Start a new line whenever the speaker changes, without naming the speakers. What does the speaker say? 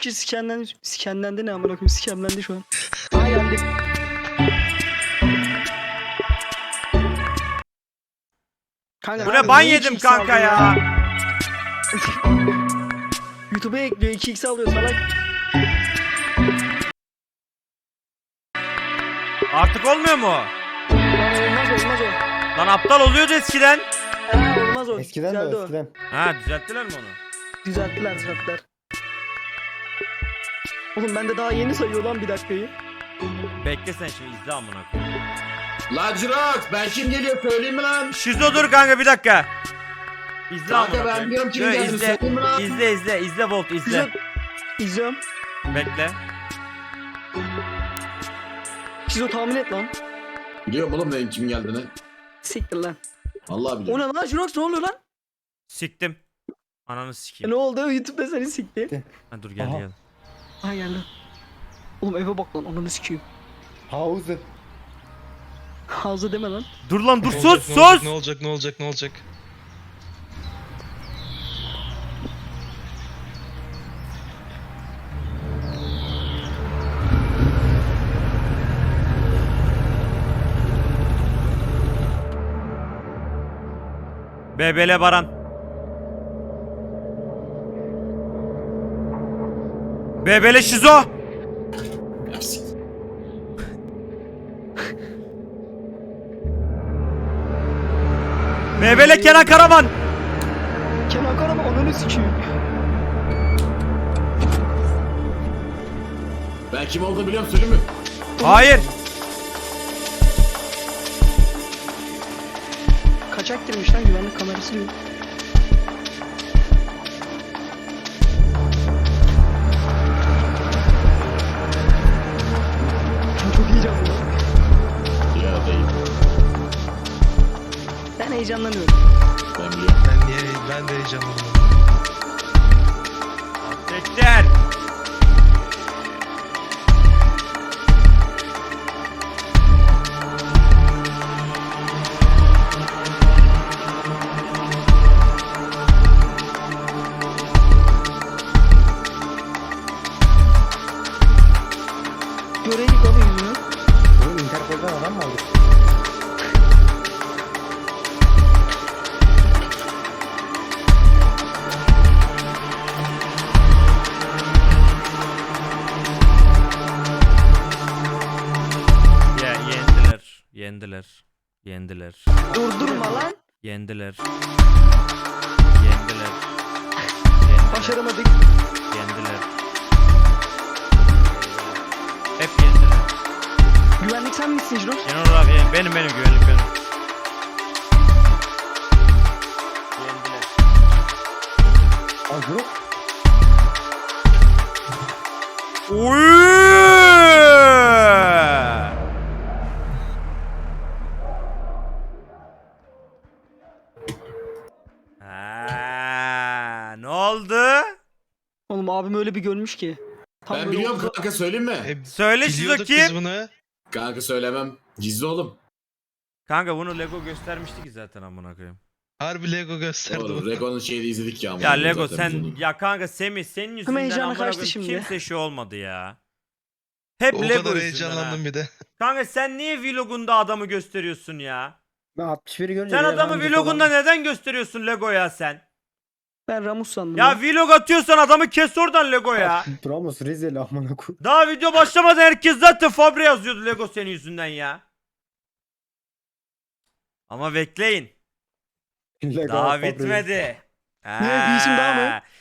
kişi skenlendi ne amına koyayım, skemlendi şu an. Aa geldi. Kanka,
Bu ne ban yedim
2x
kanka
aldın
ya.
YouTube'a ekliyor 2x alıyor salak.
Artık olmuyor mu?
Lan olmaz o.
Lan aptal oluyordu eskiden.
Olmaz o.
Eskiden de
Düzeldi
o
o.
eskiden.
Ha düzelttiler mi onu?
Düzelttiler. Oğlum ben de daha yeni sayıyor lan bir dakikayı.
Bekle sen şimdi izle amına koyayım.
La Cirox, ben kim geliyor söyleyeyim mi lan?
Şizo dur kanka bir dakika. İzle
Kanka,
amına
ben
koyayım.
biliyorum kimin
Yo,
geldiğini,
izle.
söyleyeyim mi lan?
İzle Volt izle.
İzliyorum.
Bekle.
Şizo tahmin et lan.
Biliyorum oğlum benim kimin geldiğini.
Siktir lan.
Vallahi
O
biliyorum.
ne lan Jirox, ne oluyor lan?
Siktim. Ananı sikeyim.
Ne oldu? YouTube'da seni sikti.
Ha, dur gel
Aha.
gel.
Ha geldi. Oğlum eve bak lan, ananı sikeyim.
Havuzu.
Hazı deme lan.
Dur lan dur
Ne
sus
olacak,
sus.
Ne olacak?
Bebele Baran. Bebele Şizo.
Ya, sik-
Bebele Kenan Karaman.
Kenan Karaman, ananı sikeyim.
Ben kim olduğunu biliyorum söyleyeyim mi?
Hayır.
Kaçak girmiş lan, güvenlik kamerası yok. Çok heyecanlı lan.
Ya değil.
Ben heyecanlanıyorum.
Ben biliyorum.
Ben de heyecanlandım.
Tekler.
Göreyi yıkadı yüzünü.
Bu Interpol'dan adam mı aldık?
Ya yendiler.
Durdurma lan.
Yendiler.
Başaramadık.
Yendiler. Hep yendiler.
Güvenlik sen misin Jirox?
Genel olarak benim güvenlik benim. Yendiler.
Aa, yok.
Ne oldu?
Oğlum abim öyle bir görmüş ki. Tam
Ben
böyle
biliyorum
omuzuna-
kanka söyleyeyim mi?
Söyle Şizo
Biliyorduk
kim?
biz bunu.
Kanka söylemem. Gizli oğlum.
Kanka bunu Lego göstermişti ki zaten amına koyayım.
Harbi Lego gösterdi
Oğlum
bunu.
Rego'nun şeyini izledik ya.
Ya
amına
Lego
zaten
sen
biz onu.
ya kanka Semih senin yüzünden
heyecanı
amına
kaçtı
koyayım
şimdi.
kimse şey olmadı ya. Hep
O
Lego
kadar
yüzünden
heyecanlandım
ha.
bir de.
Kanka sen niye vlogunda adamı gösteriyorsun ya?
Ben 61'i görünce
Sen
bir
adamı
yabancı
vlogunda
falan-
neden gösteriyorsun Lego ya sen?
Ben Ramus sandım.
Ya vlog atıyorsan adamı kes oradan Lego ya.
Ramos Rizeli amına koy.
Daha video başlamadan herkes zaten Fabre yazıyordu Lego senin yüzünden ya. Ama bekleyin.
Lego
Daha
Fabregas.
bitmedi.
Ne, bir işim daha mı?